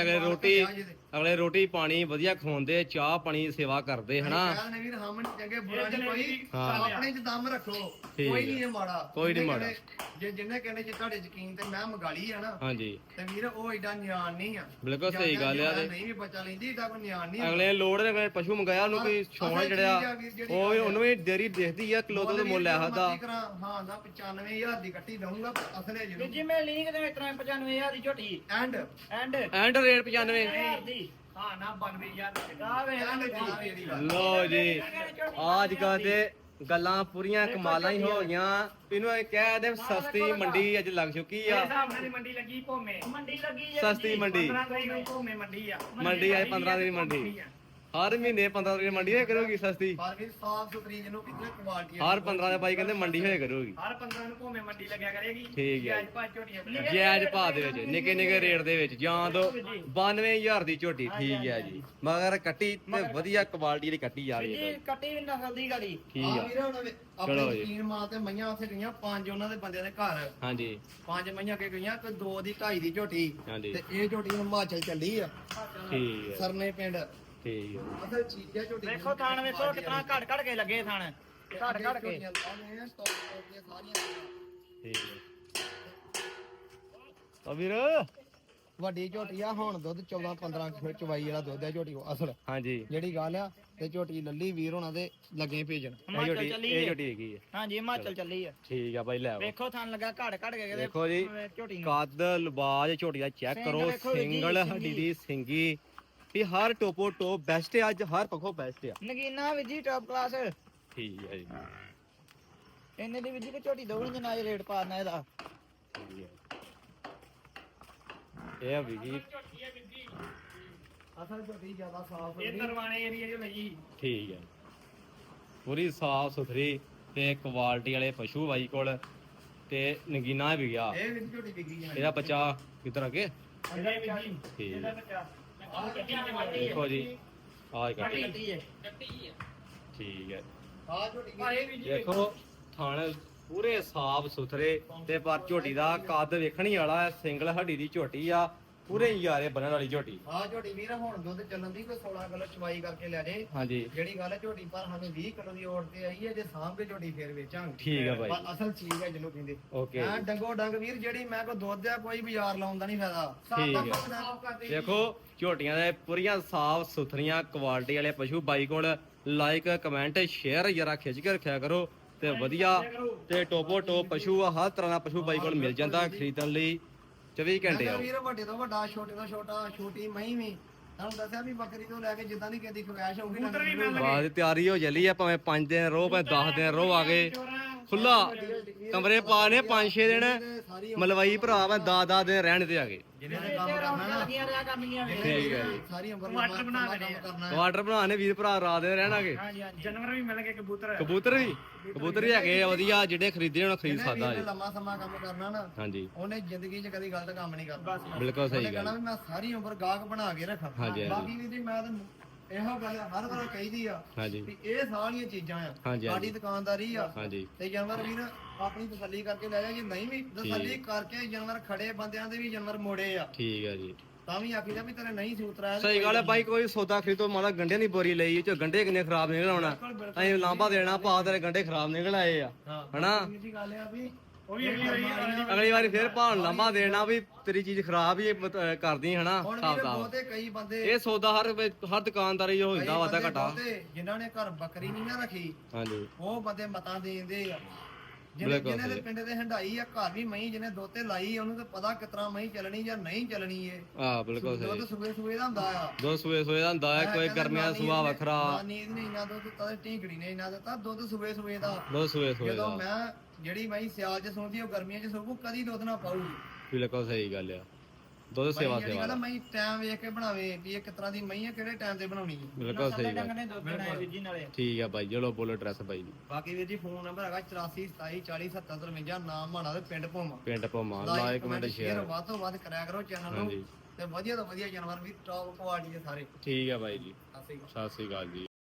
Speaker 1: ਅਗਲੇ ਰੋਟੀ ਪਾਣੀ ਵਧੀਆ ਖਵਾਉਂਦੇ ਚਾਹ ਪਾਣੀ ਦੀ ਸੇਵਾ ਕਰਦੇ ਹਨਾ
Speaker 2: ਕਹਿੰਦੇ ਵੀਰ ਹਮਨ ਚੰਗੇ ਬੁਰਾ ਨਹੀਂ ਕੋਈ
Speaker 1: ਹਾਂ।
Speaker 2: ਆਪਣੇ 'ਚ ਦਮ ਰੱਖੋ
Speaker 1: ਠੀਕ
Speaker 2: ਕੋਈ
Speaker 1: ਹੈ।
Speaker 2: ਨਹੀਂ ਇਹ ਮਾੜਾ
Speaker 1: ਕੋਈ ਨਹੀਂ
Speaker 2: ਜਿਹਨੇ
Speaker 1: ਮਾੜਾ।
Speaker 2: ਕਹਿੰਦੇ- ਜੇ ਜਿੰਨੇ ਕਹਿੰਦੇ ਜੇ ਤੁਹਾਡੇ ਯਕੀਨ ਤੇ ਮੈਂ ਮਗਾਲੀ ਆ ਨਾ
Speaker 1: ਹਾਂਜੀ
Speaker 2: ਤੇ ਵੀਰ ਉਹ ਏਡਾ ਨਿਆਣ ਨਹੀਂ ਆ
Speaker 1: ਬਿਲਕੁਲ ਸਹੀ ਗੱਲ ਆ ਤੇ
Speaker 2: ਨਹੀਂ ਵੀ ਬੱਚਾ ਲੈਂਦੀ ਏਡਾ ਕੋਈ ਨਿਆਣ ਨਹੀਂ
Speaker 1: ਅਗਲੇ ਲੋੜ ਦੇ ਕੋਈ ਪਸ਼ੂ ਮੰਗਾਇਆ ਉਹਨੂੰ ਕੋਈ ਛੋਣਾ ਜਿਹੜਾ ਉਹ ਵੀ ਉਹਨੂੰ ਵੀ ਡੇਰੀ ਦਿਖਦੀ ਆ ਕਿਲੋ ਤੋਂ ਮੁੱਲ ਆ ਹਦਾ
Speaker 2: ਹਾਂ ਨਾ 95000 ਦੀ ਕੱਟੀ ਦਊਂਗਾ ਅਸਲੇ
Speaker 3: ਵੀ
Speaker 2: ਜਿਹਨੂੰ
Speaker 3: ਜੀ ਮੈਂ ਲਿੰਕ ਦੇ ਇਸ ਤਰ੍ਹਾਂ 95000 ਦੀ ਝੋਟੀ
Speaker 2: ਐਂਡ
Speaker 3: ਐਂਡ
Speaker 1: ਐਂਡ ਰੇਟ 95
Speaker 3: 1000 ਦੀ
Speaker 4: ਹਾਂ ਨਾ 92000
Speaker 3: ਆ ਵੇ
Speaker 2: ਐਂਡ ਦੀ ਗੱਲ
Speaker 1: ਲੋ ਜੀ ਅੱਜ ਕੱਲ ਤੇ ਗੱਲਾਂ ਪੂਰੀਆਂ ਕਮਾਲਾਂ ਹੀ ਹੋ ਗਈਆਂ ਇਹਨੂੰ ਇਹ ਕਹਿ ਦੇ ਸਸਤੀ ਮੰਡੀ ਅੱਜ ਲੱਗ ਚੁੱਕੀ
Speaker 4: ਇਹ
Speaker 1: ਆ
Speaker 4: ਹਿਸਾਬ ਨਾਲ ਦੀ ਮੰਡੀ ਲੱਗੀ ਭੋਮੇ
Speaker 3: ਮੰਡੀ ਲੱਗੀ ਜੇ
Speaker 1: ਸਸਤੀ ਮੰਡੀ
Speaker 4: 15 ਤਰੀਕ ਨੂੰ ਭੋਮੇ ਮੰਡੀ ਆ
Speaker 1: ਮੰਡੀ ਅੱਜ 15 ਦਿਨ ਮੰਡੀ ਹਰ ਮਹੀਨੇ 15 ਦਿਨ ਮੰਡੀ ਹੋਇਆ ਕਰੂਗੀ ਸਸਤੀ
Speaker 2: ਪਰ ਵੀ ਸਾਫ ਸੁਥਰੀ ਜਿਹਨੂੰ ਕਿਤੇ ਕੁਆਲਿਟੀ
Speaker 1: ਹਰ 15 ਦੇ ਬਾਈ ਕਹਿੰਦੇ ਮੰਡੀ ਹੋਇਆ ਕਰੂਗੀ
Speaker 4: ਹਰ 15 ਨੂੰ ਭੋਮੇ ਮੰਡੀ ਲੱਗਿਆ ਕਰੇਗੀ
Speaker 1: ਠੀਕ ਹੈ।
Speaker 4: ਅੱਜ ਭਾ ਝੋਟੀਆਂ
Speaker 1: ਜਾਇਜ਼ ਭਾਅ ਦੇ ਵਿੱਚ ਨਿੱਕੇ ਨਿੱਕੇ ਰੇਟ ਦੇ ਵਿੱਚ ਜਾਂ ਤੋਂ 92000 ਦੀ ਝੋਟੀ ਠੀਕ ਹੈ ਜੀ ਮਗਰ ਕੱਟੀ ਤੇ ਵਧੀਆ ਕੁਆਲਿਟੀ ਦੀ ਕੱਟੀ ਜਾ ਰਹੀ ਹੈ
Speaker 3: ਜੀ ਕੱਟੀ ਵੀ ਨਸਲ ਦੀ ਗਾੜੀ
Speaker 1: ਠੀਕ
Speaker 2: ਆ
Speaker 1: ਆ
Speaker 2: ਵੀਰੇ ਉਹਨਾਂ ਦੇ
Speaker 1: ਚਲੋ
Speaker 2: ਆਪਣੇ
Speaker 1: ਜੀ।
Speaker 2: ਯਕੀਨ ਮਾਂ ਤੇ ਮਈਆਂ ਉੱਥੇ ਗਈਆਂ 5 ਉਹਨਾਂ ਦੇ ਬੰਦਿਆਂ ਦੇ ਘਰ
Speaker 1: ਹਾਂਜੀ
Speaker 2: 5 ਮਈਆਂ ਕੇ ਗਈਆਂ ਕੋਈ 2 ਦੀ 2.5 ਦੀ ਝੋਟੀ
Speaker 1: ਹਾਂਜੀ
Speaker 2: ਤੇ ਇਹ ਝੋਟੀ ਹਿਮਾਚਲ ਚੱਲੀ ਆ
Speaker 1: ਠੀਕ ਹੈ
Speaker 2: ਸਰਨੇ ਪਿੰਡ
Speaker 1: ਠੀਕ ਹੈ
Speaker 2: ਅਸਲ ਚੀਜ਼ ਹੈ ਝੋਟੀ
Speaker 3: ਵੇਖੋ ਥਾਣ ਵੇਖੋ ਕਿਤਨਾ ਘੜ ਘੜ ਕੇ ਲੱਗੇ ਥਾਣ ਘੜ ਘੜ ਕੇ
Speaker 2: ਝੋਟੀਆਂ ਲਾਉਂਦੇ ਆ ਟੌਪ ਟੌਪ ਦੀਆਂ ਸਾਰੀਆਂ
Speaker 1: ਠੀਕ ਹੈ ਤਾਂ ਵੀਰ
Speaker 2: ਵੱਡੀ ਝੋਟੀ ਆ ਹੁਣ ਦੁੱਧ 14 15 ਕਿਲੋ ਚਵਾਈ ਵਾਲਾ ਦੁੱਧ ਹੈ ਝੋਟੀ ਕੋ ਅਸਲ
Speaker 1: ਹਾਂਜੀ
Speaker 2: ਜਿਹੜੀ ਗੱਲ ਆ ਤੇ ਝੋਟੀ ਲੱਲੀ ਵੀਰ ਹੋਣਾ ਦੇ ਲੱਗੇ ਭੇਜਣ
Speaker 1: ਇਹ
Speaker 3: ਹਿਮਾਚਲ
Speaker 1: ਝੋਟੀ
Speaker 3: ਚੱਲੀ
Speaker 1: ਇਹ
Speaker 3: ਹੈ
Speaker 1: ਝੋਟੀ ਹੈਗੀ ਹੈ
Speaker 3: ਹਾਂਜੀ ਹਿਮਾਚਲ ਚੱਲੀ ਆ
Speaker 1: ਠੀਕ ਆ ਬਾਈ ਲੈ ਆਓ
Speaker 3: ਵੇਖੋ ਥਾਣ ਲੱਗਾ ਘੜ ਘੜ ਕੇ ਕਿਤੇ
Speaker 1: ਦੇਖੋ ਜੀ
Speaker 3: ਝੋਟੀ ਨੂੰ
Speaker 1: ਕੱਦ ਲਬਾਜ ਝੋਟੀ ਦਾ ਚੈੱਕ
Speaker 3: ਸਿੰਗ
Speaker 1: ਕਰੋ
Speaker 3: ਵੇਖੋ ਵੀਰ ਜੀ,
Speaker 1: ਸਿੰਗਲ
Speaker 3: ਸਿੰਗੀ।
Speaker 1: ਹੱਡੀ ਦੀ ਸਿੰਗੀ ਵੀ ਹਰ ਟੋਪੋ ਟੋਪ ਬੈਸਟ ਹੈ ਅੱਜ ਹਰ ਪੱਖੋਂ ਬੈਸਟ ਆ
Speaker 3: ਨਗੀਨਾ ਵੀ ਜੀ ਟਾਪ ਕਲਾਸ
Speaker 1: ਠੀਕ ਹੈ ਜੀ
Speaker 3: ਇੰਨੇ ਦੀ ਵੀ ਜੀ ਕਿ ਝੋਟੀ ਦੋਗਣੀ ਜਨਾ ਰੇਟ ਪਾਣਾ ਇਹਦਾ
Speaker 1: ਠੀਕ ਹੈ ਇਹ ਆ ਵੀ ਜੀ
Speaker 2: ਅਸਲ ਝੋਟੀ ਜ਼ਿਆਦਾ ਸਾਫ
Speaker 4: ਇਹ ਦਰਵਾਣੇ ਏਰੀਆ ਚ ਲਈ
Speaker 1: ਠੀਕ ਹੈ ਪੂਰੀ ਸਾਫ ਸੁਥਰੀ ਤੇ ਕੁਆਲਿਟੀ ਵਾਲੇ ਪਸ਼ੂ ਬਾਈ ਕੋਲ ਤੇ ਨਗੀਨਾ ਵੀ ਗਿਆ
Speaker 2: ਇਹ ਵੀ ਝੋਟੀ ਵਿਕੀ ਹੈ
Speaker 1: ਇਹਦਾ ਬੱਚਾ ਕਿੱਧਰ ਅੱਗੇ
Speaker 4: ਇਹਦਾ ਵੀ ਜੀ
Speaker 1: ਠੀਕ
Speaker 4: ਇਹਦਾ
Speaker 1: ਹੈ
Speaker 4: ਬੱਚਾ
Speaker 1: ਦੇਖੋ ਜੀ ਆਹ ਕੱਟੀ
Speaker 3: ਕੱਟੀ ਹੈ
Speaker 1: ਠੀਕ ਹੈ
Speaker 2: ਆ ਝੋਟੀ
Speaker 4: ਭਾਏ ਵੀ ਜੀ
Speaker 1: ਦੇਖੋ ਥਣ ਪੂਰੇ ਸਾਫ ਸੁਥਰੇ ਤੇ ਪਰ ਝੋਟੀ ਦਾ ਕੱਦ ਵੇਖਣੀ ਵਾਲਾ ਹੈ ਸਿੰਗਲ ਹੱਡੀ ਦੀ ਝੋਟੀ ਆ ਪੂਰੇ ਯਾਰੇ ਬੰਨਣ ਵਾਲੀ ਝੋਟੀ
Speaker 2: ਆ ਝੋਟੀ ਵੀਰ ਹੁਣ ਦੁੱਧ ਚੱਲਣ ਦੀ ਕੋਈ 16 ਕਿਲੋ ਚਵਾਈ ਕਰਕੇ ਲੈ ਜੇ
Speaker 1: ਹਾਂਜੀ
Speaker 2: ਜਿਹੜੀ ਗੱਲ ਹੈ ਝੋਟੀ ਪਰ ਸਾਨੂੰ 20 ਕਿਲੋ ਦੀ ਔੜ ਤੇ ਆਈ ਹੈ ਜੇ ਸਾਂਭ ਕੇ ਝੋਟੀ ਫੇਰ ਵੇਚਾਂਗੇ
Speaker 1: ਠੀਕ ਹੈ ਬਾਈ
Speaker 2: ਪਰ ਅਸਲ ਚੀਜ਼ ਹੈ ਜਿਹਨੂੰ ਕਹਿੰਦੇ
Speaker 1: ਓਕੇ
Speaker 2: ਐ ਡੰਗੋ ਡੰਗ ਵੀਰ ਜਿਹੜੀ ਮੈਂ ਕੋ ਦੁੱਧ ਆ ਕੋਈ ਬਾਜ਼ਾਰ ਲਾਉਣ ਦਾ ਨਹੀਂ ਫਾਇਦਾ
Speaker 1: ਠੀਕ ਹੈ।
Speaker 2: ਸਾਫ਼ ਕਰਦੇ
Speaker 1: ਦੇਖੋ ਝੋਟੀਆਂ ਦੇ ਪੂਰੀਆਂ ਸਾਫ ਸੁਥਰੀਆਂ ਕੁਆਲਿਟੀ ਵਾਲੇ ਪਸ਼ੂ ਬਾਈ ਕੋਲ ਲਾਈਕ ਕਮੈਂਟ ਸ਼ੇਅਰ ਜਰਾ ਖਿੱਚ ਕੇ ਰੱਖਿਆ ਕਰੋ ਤੇ ਵਧੀਆ ਤੇ ਟੋਪੋ ਟੋਪ ਪਸ਼ੂ ਆ ਹਰ ਤਰ੍ਹਾਂ ਦਾ ਪਸ਼ੂ ਬਾਈ ਕੋਲ ਮਿਲ ਜਾਂਦਾ ਖਰੀਦਣ ਲਈ 24 ਘੰਟੇ ਆਓ
Speaker 2: ਵੀਰ ਵੱਡੇ ਤੋਂ ਵੱਡਾ ਛੋਟੇ ਤੋਂ ਛੋਟਾ ਛੋਟੀ ਮਹੀਂ ਵੀ ਤੁਹਾਨੂੰ ਦੱਸਿਆ ਵੀ ਬੱਕਰੀ ਤੋਂ ਲੈ ਕੇ ਜਿੱਦਾਂ ਦੀ ਕਿਸੇ ਦੀ ਖਵਾਇਸ਼ ਹੋਊਗੀ
Speaker 4: ਕਬੂਤਰ ਵੀ ਮਿਲ
Speaker 1: ਬਾਅਦ ਤਿਆਰੀ ਹੋ ਚੱਲੀ ਆ ਭਾਵੇਂ 5 ਦਿਨ ਰੋ ਭਾਵੇਂ 10 ਦਿਨ ਰੋ ਆ ਗਏ ਖੁੱਲਾ ਕਮਰੇ ਪਾ ਨੇ 5-6 ਦਿਨ
Speaker 2: ਸਾਰੀ
Speaker 1: ਮਲਵਾਈ ਭਰਾ ਵਾ 10 ਦਿਨ ਰਹਿਣ ਤੇ ਆ ਗਏ
Speaker 2: ਜਿਹਨੇ ਨੇ ਕੰਮ ਕਰਨਾ ਨਾ
Speaker 3: ਲੱਗੀਆਂ ਰਿਆ ਕਰਨੀਆਂ ਵੇ
Speaker 1: ਠੀਕ ਹੈ ਜੀ
Speaker 2: ਸਾਰੀ ਉਮਰ
Speaker 4: ਟਮਾਟਰ ਬਣਾ
Speaker 2: ਕੰਮ
Speaker 4: ਦੇਣੇ ਆ।
Speaker 2: ਕਰਨਾ ਹੈ।
Speaker 1: ਕੁਆਟਰ ਬਣਾਣੇ ਵੀਰ ਭਰਾ ਰਾਤ ਦੇ ਰਹਿਣਾਗੇ
Speaker 3: ਹਾਂਜੀ ਹਾਂਜੀ
Speaker 4: ਜਾਨਵਰ ਵੀ ਮਿਲ ਗਏ ਕਬੂਤਰ
Speaker 1: ਕਬੂਤਰ ਵੀ ਹੈਗੇ ਆ ਵਧੀਆ ਜਿਹੜੇ ਖਰੀਦੇ ਹੁਣ ਖਰੀਦ
Speaker 2: ਜਿਹਨੇ
Speaker 1: ਸਕਦਾ
Speaker 2: ਵੀਰ ਨੇ
Speaker 1: ਜੀ
Speaker 2: ਲੰਮਾ ਸਮਾਂ ਕੰਮ ਕਰਨਾ ਨਾ
Speaker 1: ਹਾਂਜੀ
Speaker 2: ਉਹਨੇ ਜ਼ਿੰਦਗੀ 'ਚ ਕਦੀ ਗਲਤ ਕੰਮ ਨਹੀਂ ਕਰਨਾ
Speaker 1: ਬਿਲਕੁਲ ਸਹੀ
Speaker 2: ਉਹਨੇ ਕਹਿਣਾ
Speaker 1: ਗੱਲ
Speaker 2: ਵੀ ਮੈਂ ਸਾਰੀ ਉਮਰ ਗਾਹਕ ਬਣਾ ਕੇ ਰੱਖਾਂ
Speaker 1: ਹਾਂਜੀ, ਹਾਂਜੀ।
Speaker 2: ਬਾਕੀ ਵੀ ਜੀ ਮੈਂ ਤਾਂ ਇਹੋ ਗੱਲ ਹਰ ਵਾਰ ਕਹੀਦੀ ਆ
Speaker 1: ਹਾਂਜੀ
Speaker 2: ਵੀ ਇਹ ਸਾਰੀਆਂ ਚੀਜ਼ਾਂ ਆ
Speaker 1: ਹਾਂਜੀ,
Speaker 2: ਸਾਡੀ ਦੁਕਾਨਦਾਰੀ ਆ
Speaker 1: ਹਾਂਜੀ
Speaker 2: ਤੇ ਜਾਨਵਰ ਵੀਰ ਆਪਣੀ ਤਸੱਲੀ ਕਰਕੇ ਲੈ ਜਾ ਜੇ ਨਹੀਂ ਵੀ ਤਸੱਲੀ ਕਰਕੇ ਜਾਨਵਰ ਖੜੇ ਬੰਦਿਆਂ ਦੇ ਵੀ ਜਾਨਵਰ ਮੋੜੇ ਆ
Speaker 1: ਠੀਕ ਹੈ ਜੀ
Speaker 2: ਤਾਂ ਵੀ ਆਖੀਦਾ ਵੀ ਤੇਰੇ ਨਹੀਂ ਸੂਤਰਾ
Speaker 1: ਸਹੀ ਗੱਲ ਹੈ ਬਾਈ ਕੋਈ ਸੌਦਾ ਖਰੀਦੋ ਮਾੜਾ ਗੰਢਿਆਂ ਦੀ ਬੋਰੀ ਲਈ ਚ ਗੰਢੇ ਕਿੰਨੇ ਖਰਾਬ ਨਿਕਲ ਆਉਣਾ ਅਸੀਂ ਲਾਂਭਾ ਦੇਣਾ ਭਾ ਤੇਰੇ ਗੰਢੇ ਖਰਾਬ ਨਿਕਲ ਆਏ ਆ
Speaker 2: ਹਾਂ
Speaker 1: ਹਨਾ
Speaker 2: ਇਹ ਜੀ ਗੱਲ ਆ ਵੀ
Speaker 4: ਉਹ ਵੀ ਅਗਲੀ
Speaker 1: ਅਗਲੀ ਵਾਰੀ ਫੇਰ ਭਾਣ ਲਾਂਭਾ ਦੇਣਾ ਵੀ ਤੇਰੀ ਚੀਜ਼ ਖਰਾਬ ਹੀ ਕਰਦੀ ਹਨਾ
Speaker 2: ਹੁਣ
Speaker 1: ਹਿਸਾਬ
Speaker 2: ਵੀਰੇ
Speaker 1: ਦਾ
Speaker 2: ਬਹੁਤੇ ਕਈ ਬੰਦੇ
Speaker 1: ਇਹ ਸੌਦਾ ਹਰ ਦੁਕਾਨਦਾਰੀ ਹੋ ਜਾਂਦਾ ਵਾਦਾ
Speaker 2: ਬੰਦੇ
Speaker 1: ਘਟਾ
Speaker 2: ਬਹੁਤੇ ਜਿਨ੍ਹਾਂ ਨੇ ਘਰ ਬੱਕਰੀ ਨਹੀਂ ਨਾ ਰੱਖੀ
Speaker 1: ਹਾਂਜੀ
Speaker 2: ਉਹ ਬੰਦੇ ਮਤਾਂ ਦੇਂਦੇ ਆ
Speaker 1: ਬਿਲਕੁਲ
Speaker 2: ਜਿਹਨੇ ਦੇ
Speaker 1: ਸਹੀ।
Speaker 2: ਪਿੰਡ ਦੇ ਹੰਡਾਈ ਆ ਘਰ ਵੀ ਮਹੀਂ ਜਿਹਨੇ ਦੁੱਧ ਤੇ ਲਾਈ ਉਹਨੂੰ ਤਾਂ ਪਤਾ ਕਿਤਨਾ ਮਹੀਂ ਚੱਲਣੀ ਜਾਂ ਨਹੀਂ ਚੱਲਣੀ ਏ
Speaker 1: ਆ ਬਿਲਕੁਲ ਸਹੀ
Speaker 2: ਦੁੱਧ ਸੂਏ ਸੂਏ ਦਾ ਹੁੰਦਾ ਆ
Speaker 1: ਦੋ ਸੂਏ ਦਾ ਹੁੰਦਾ ਹੈ ਕੋਈ ਗਰਮੀਆਂ ਦਾ ਸੁਭਾਅ ਵੱਖਰਾ
Speaker 2: ਨਾਨੀ ਇਹਨੇ ਇੰਨਾ ਦੁੱਧ ਦਿੱਤਾ ਤੇ ਢੀਂਕੜੀ ਨੇ ਇੰਨਾ ਦਿੱਤਾ ਦੁੱਧ ਸੂਏ ਸੂਏ ਦਾ
Speaker 1: ਦੋ ਸੂਏ
Speaker 2: ਜਦੋਂ
Speaker 1: ਦਾ
Speaker 2: ਮੈਂ ਜਿਹੜੀ ਮਹੀਂ ਸਿਆਲ ਚ ਸੌਂਦੀ ਉਹ ਗਰਮੀਆਂ ਚ ਸੌਂਕੂ ਕਦੀ ਦੁੱਧ ਨਾ ਪਾਊਗੀ
Speaker 1: ਬਿਲਕੁਲ ਸਹੀ ਗੱਲ ਆ ਦੁੱਧ ਸੇਵਾ
Speaker 2: ਜਿਹੜੀ
Speaker 1: ਸੇਵਾ
Speaker 2: ਗੱਲ ਮਹੀਂ ਟਾਈਮ ਵੇਖ ਕੇ ਬਣਾਵੇ ਵੀ ਇਹ ਕਿਸ ਤਰ੍ਹਾਂ ਦੀ ਮਹੀਂ ਆ ਕਿਹੜੇ ਟਾਈਮ ਤੇ ਬਣਾਉਣੀ ਹੈ
Speaker 1: ਬਿਲਕੁਲ ਸਹੀ
Speaker 3: ਡੰਗ
Speaker 1: ਗੱਲ
Speaker 3: ਨੇ ਦੁੱਧ ਦੇਣਾ ਹੈ ਵੀਰ ਜੀ ਨਾਲੇ
Speaker 1: ਠੀਕ ਆ ਬਾਈ ਚਲੋ ਬੋਲੋ ਐਡਰੈਸ ਬਾਈ ਜੀ
Speaker 2: ਬਾਕੀ ਵੀਰ ਜੀ ਫੋਨ ਨੰਬਰ ਹੈਗਾ 8427407053 ਨਾਮ ਮਾਣਾ ਤੇ ਪਿੰਡ ਭੋਮਾ
Speaker 1: ਪਿੰਡ ਭੋਮਾ ਲਾਈਕ ਕਮੈਂਟ ਸ਼ੇਅਰ
Speaker 2: ਵੱਧ ਤੋਂ ਵੱਧ ਕਰਿਆ ਕਰੋ ਚੈਨਲ ਨੂੰ
Speaker 1: ਹਾਂਜੀ
Speaker 2: ਤੇ ਵਧੀਆ ਤੋਂ ਵਧੀਆ ਜਾਨਵਰ ਵੀ ਟੌਪ ਕੁਆਲਿਟੀ ਦੇ ਸਾਰੇ
Speaker 1: ਠੀਕ ਆ ਬਾਈ ਜੀ
Speaker 2: ਸਤਿ ਸ਼੍ਰੀ ਅਕਾਲ
Speaker 1: ਸਤਿ ਸ੍ਰੀ ਅਕਾਲ ਜੀ